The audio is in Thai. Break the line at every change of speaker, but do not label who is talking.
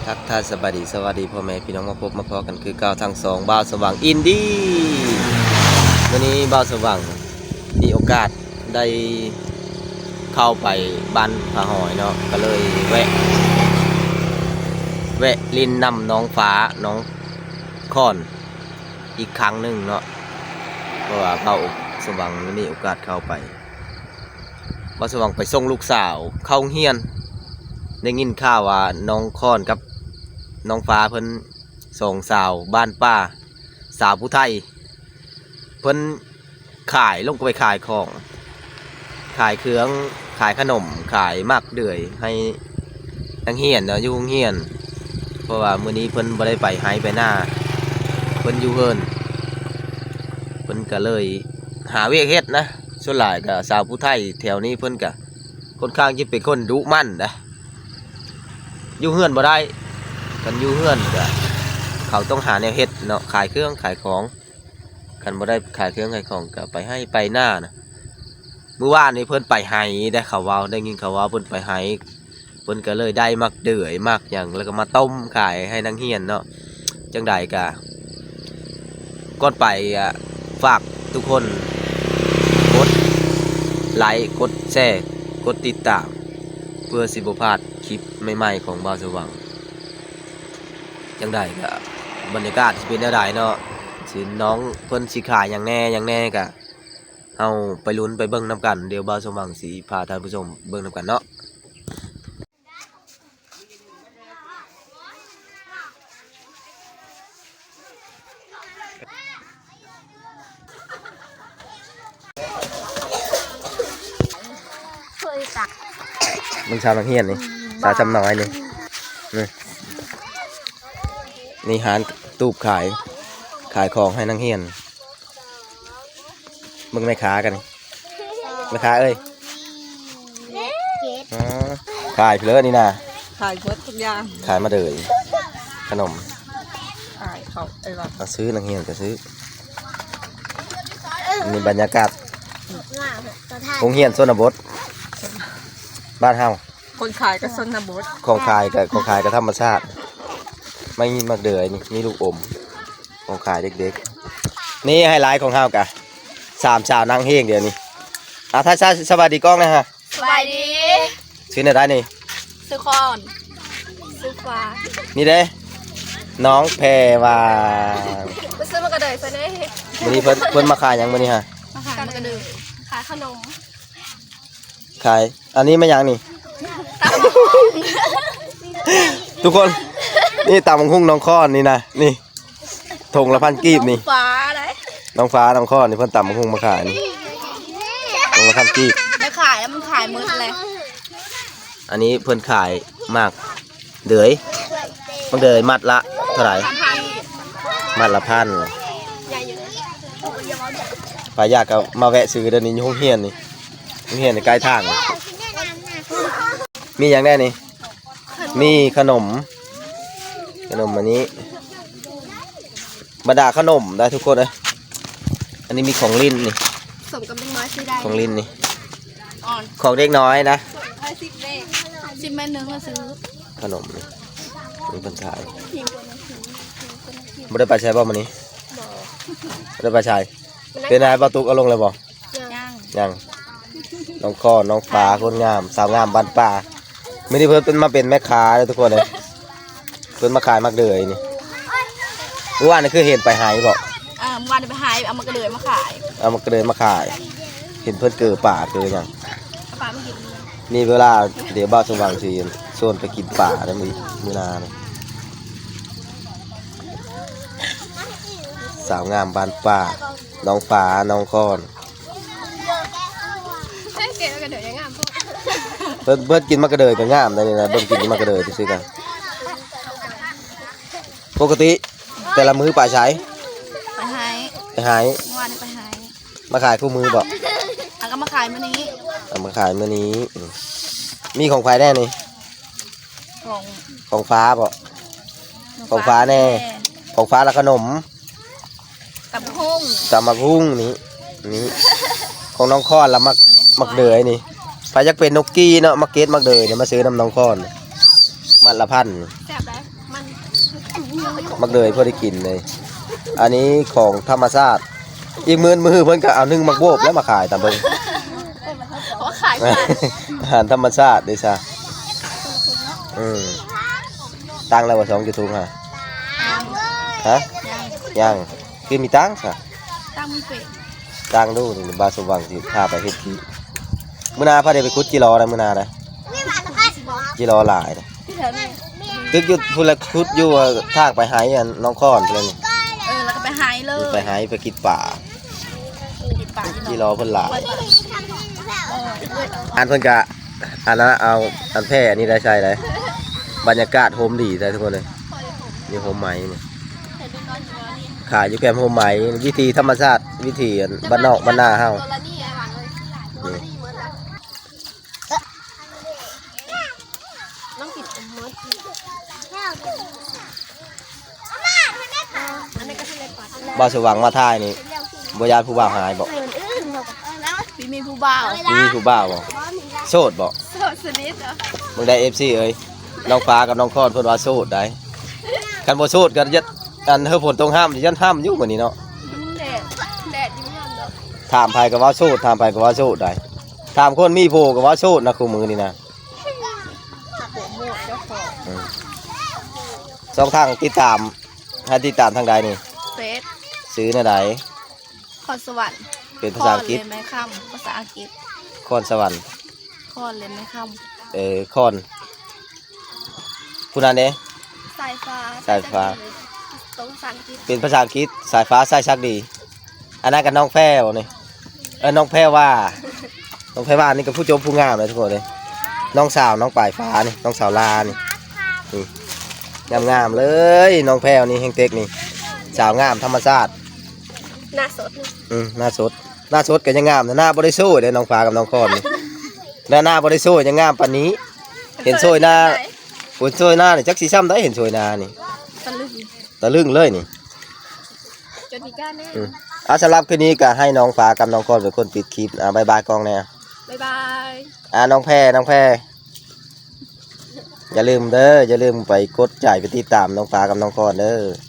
ทักทายสวัสดีพ่อแม่พี่น้องมาพบมาพอกันคือเก่าทางสองบ่าวสว่างอินดี้วันนี้บ่าวสว่างมีโอกาสได้เข้าไปบ้านผาหอยเนาะก็เลยแวะลินนำน้องฟ้าน้องค่อนอีกครั้งหนึ่งเนาะเพราะว่าบ่าวสว่างมีโอกาสเข้าไปบ่าวสว่างไปส่งลูกสาวเข้าเฮียนได้ยินข่าวว่าน้องค่อนกับน้องฟ้าเพิ่นส่งสาวบ้านป้าสาวผู้ไทยเพิ่นขายลงไปขายของขายเครื่องขายขนมขายมักเดือยให้นักเฮียนเนาะอยู่โรงเรียนเพราะว่ามื้อนี้เพิ่นบ่ได้ไปไห้ไปหน้าเพิ่นอยู่เฮินเพิ่นก็เลยหาเวียกเฮ็ดนะส่วนหลายก็สาวผู้ไทยแถวนี้เพิ่นก็ค่อนข้างที่เป็นคนดุมั่นนะอยู่เฮือนบ่ได้กันอยู่เฮือนก็เขาต้องหาแนวเฮ็ดเนาะขายเครื่องขายของกันบ่ได้ขายเครื่องขายของก็ไปให้ไปหน้านะเมื่อวานนี้เพิ่นไปไห้ได้ข่าวว่าได้ยินข่าวว่าเพิ่นไปไห้เพิ่นก็เลยได้มักเดือยมักหยังแล้วก็มาต้มขายให้นักเรียนเนาะจังใดก็ก่อนไปฝากทุกคนกดไลค์กดแชร์กดติดตามเพื่อสิบ่พลาดคลิปใหม่ๆของบ่าวสว่างจังใดก็บรรยากาศสิเป็นแนวใดเนาะสิน้องเพิ่นสิขายอย่างแน่ก็เฮาไปลุ้นไปเบิ่งนํกันเดี๋ยวบ่าวสว่างสิพาท่านผู้ชมเบิ่งนํกันเนาะมึงชาวนักเรียนนี่สาวจำน้อยนี่นี่หารตูบขายของให้นักเรียนมึงไม่ค้ากันไม่ค้าเอ้ยขายเพลินนี่นะ
ขายเพิดทุกอย่าง
ขายมาเดยขนม
ขายเขา
มาซื้อนักเรียนก็ซื้อมีบรรยากาศโรงเรียนชนบทบ้านเฮา
คนขายก็ชนบท
ของขายก็ธรรมชาติไม่มีมักเดือยนี่มีลูกอมของขายเด็กๆนี่ไฮไลท์ของเฮากะ3 สาวนั่งเฮงเดี๋ยวนี้ถ้าสวัสดีกล้องนะฮะ
สวัสดี
ชื่อไหนได้นี่
สุคอนสุฟ้า
นี่เด้น้องแพรว่า
ไปซื้อมากระเดยซะเด้
วันนี้เพิ่นมาขายยังวันนี้ฮะ
มาขายมากระเดยขายขนม
ขายอันนี้ไม่ยังนี่ทุกคนนี่ตำบักหุ่งน้องค้อนนี่นะนี่ถงละ1,000 กีบนี่
ฟ้าเลย
น้องฟ้าน้องค้อนนี่เพิ่นตำบักหุ่งมาขายนี่ถงละ1,000 กีบ
ไม่ขายแล้วมันขายมืดเลย
อันนี้เพิ่นขายมากเดือยมันเดือยมัดละเท่าไหร่มัดละ1,000ปลายากก็มาแวะซื้อเดี๋ยวนี้อยู่โรงเรียนนี่โรงเรียนในใกล้ทางมีอย่างแน่นี่มีขนมอันนี้บรรดาขนมได้ทุกคนเลยอันนี้มีของลิ้นนี่
สมกับเป็นน้อยซื้อได้
ของลิ้นนี่ของเด็กน้อยนะ
10 แม่นึงมาซื้อ
ขนมนี่เป็นขายไม่ได้ไปใช้บ่มันนี้ไม่ได้ไปใช้เป็นนายประตูเอาลงเลยบ่ยังน้องข้อน้องฟ้าคนงามสาวงามบ้านป่าไม่ได้เพิ่นเป็นมาเป็นแม่ค้าเลยทุกคนเลยเพิ่นมาขายมักเดือยนี่ว่านี่คือเห็นไปหายบอก
วันไปหายเอามากระเดยมาขาย
เอามากระเดยมาขายเห็นเพิ่นเกิดป่าเกิดยัง
ป่าไม่กิน
นี่เวลาเดี๋ยวบ้านสว่างสีโซนไปกินป่าแล้วมือนาสาวงามบ้านป่าน้องฟ้าน้องค้อนเพิ่นกินมะกระเดยก็งามได้เลยนะเพิ่นกินมะกระเดยที่ซื้อกันปกติแต่ละมื้อป่าใช้
ไปหายวันไปหาย
มาขายคู่มือบอก
ก็มาขายมื้อนี้
มาขายมื้อนี้มีของไฟแน่นี่ของฟ้าบอกของฟ้าแน่ของฟ้าและขนม
กับม
ะฮุ่งนี่ของน้องค้อนละมักเดยนี่ไปยักเป็นนกกี้เนาะมาเก็ตมักเดยเนี่ยมาซื้อน้ำน้องค้อนมัดละ1,000
แซ่บได้
มักเลยเพื่อได้กินเลยอันนี้ของธรรมชาติอีกมือเพิ่นก็เอานึ่งมักโบกแล้วมาขายตามเบิ่ง
เพราะขาย
อาหารธรรมชาติเด้ซะตั้งแล้วว่า2จุดทุงฮะฮะยังคือมีตั้งซะ
ตั้งมีเป็ด
ตั้งดูนี่บาสว่างสิพาไปเฮ็ดที่มื้อหน้าพาได้ไปขุดจิรอนะมื้อหน้านะจิรอหลายนะ
ที่แถวนี้
ตึกอยู่พุ่นละขุดอยู่ทางไปหายอันน้องค้อนเพิ่นนี่
แล้วก็ไปหายเลย
ไปหายไปกินป่า
ติดปาก
จิรอเพิ่นหลายอันเพิ่นก็อันนั้นเอาอันแพร่อันนี้ได้ใช่เลยบรรยากาศโฮมดีได้ทุกคนเลยนี่โฮมไหมนี่ขายอยู่แคมป์โฮมไหมวิธีธรรมชาติวิธีบ้านนอกบ้านนาเฮานี่
น้องกินอมมดอันนี้ก็ทะเลปลา
บ่าวสว่างมาท่ายนี่บ่ยานผู้บ่าวหายบ่
มีผู้บ่าว
มีผู้บ่าวบ่โสดบ่
โสดสนิทเหรอ
มึงได้ FC เอ้ยน้องฟ้ากับน้องคอนเพิ่นว่าโสดได้คันบ่โสดก็ยัดอันเฮอฝนตรงห้ามยันห้ามอยู่มื้อนี้เนาะ
แดดยิ้มยันเนาะ
ถามไผก็ว่าโสดถามไผก็ว่าโสดได้ถามคนมีโพก็ว่าโสดนะคู่มือนี่นะ
หัวหมวกเจ้าของ
สองทางติดตามให้ติดตามทางใดนี่
เฟส
ซื้อในใด
คอนสวรรค์
เป็นภาษาอังกฤษ
คอนเลยไหมค่ำภาษาอังกฤษ
คอนสวรรค์
คอนเลยไหมค่
คอนผู้นั้นเด้
ำสายฟ้า
สายฟ้า
ตรงภาษาอังกฤษ
เป็นภาษาอังกฤษสายฟ้าสายชักดีอันนั้นกับน้องแพรวนี่น้องแพรว่าน้องแพรว่านี่ก็ผู้จบผู้งามเลยทุกคนเลยน้องสาวน้องปลายฟ้านี่น้องสาวลานี่งามๆเลยน้องแพรวนี่แห่งเต็กนี่สาวงามธรรมชาติ
หน้าสด
หน้าสดก็ยังงามนะหน้าบริสุทธิ์เลยน้องฟ้ากับน้องคอนนี่หน้าบริสุทธิ์ยังงามปานนี้ เห็นโซยหน้าหุ่นโซยหน้านี่จักสีซ้ำได้เห็นโซยหน้านี่
ตะลึง
เลยนี่
จนมีก้านแน่
สำหรับคืนนี้ก็ให้น้องฟ้ากับน้องคอนเป็นคนปิดคลิปบายบายกล้องแน่
บ๊ายบาย
น้องแพรอย่าลืมไปกดจ่ายไปติดตามน้องฟ้ากับน้องคอนเด้อ